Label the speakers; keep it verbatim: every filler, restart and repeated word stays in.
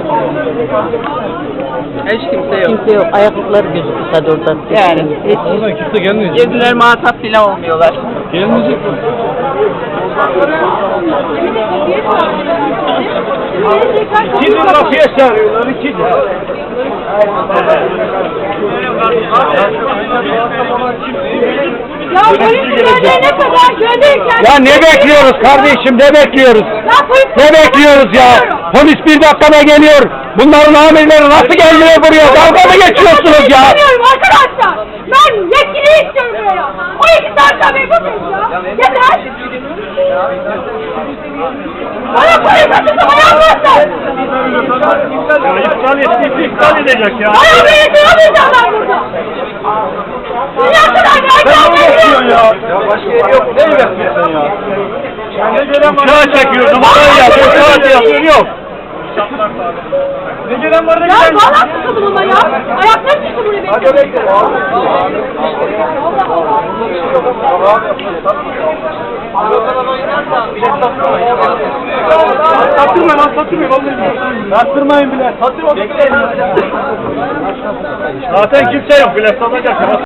Speaker 1: Hiç kimse yok.
Speaker 2: Kimse yok. Ayaklıkları gözüküyor sadece oradan.
Speaker 1: Yani hiç.
Speaker 3: Oradan kimse gelmeyecek.
Speaker 1: Gezdiler muhatap bile olmuyorlar.
Speaker 3: Gelmeyecek.
Speaker 4: İkinci kapıya çağırıyorlar, ikinci.
Speaker 5: Ya polisler ne kadar gönderirken...
Speaker 4: Ya ne bekliyoruz kardeşim, ne bekliyoruz? Ne bekliyoruz ya? Polis bir dakikada geliyor. Bunların amirleri nasıl gelmiyor buraya? Dalga mı geçiyorsunuz ya?
Speaker 5: İstemiyorum arkadaşlar. Ben yetkili istiyorum buraya. O iki saat tabii bu kız ya. Yeter. Bana polis açıklama yapmasın.
Speaker 4: Ya iptal ettiyse iptal edecek ya.
Speaker 5: Bana beni duramayacaklar burada. Dünya kadar
Speaker 4: Sen ne bekliyorsun
Speaker 5: verken
Speaker 4: ya? Ya başka yeri yok. Ne bekliyorsun ya? Uçağa çekiyordum. Oraya yapıyor. Uçağa yapıyor. Yok. Ne gelen var ne
Speaker 5: Ya
Speaker 4: gelen?
Speaker 5: valla sıkıldım ama ya. Ayaklarım çıktı buraya benim.
Speaker 4: Hadi bekle. Sattırma lan sattırmayın vallahi. Sattırmayın bile. Sattırma. Zaten kimse yok bile satacak.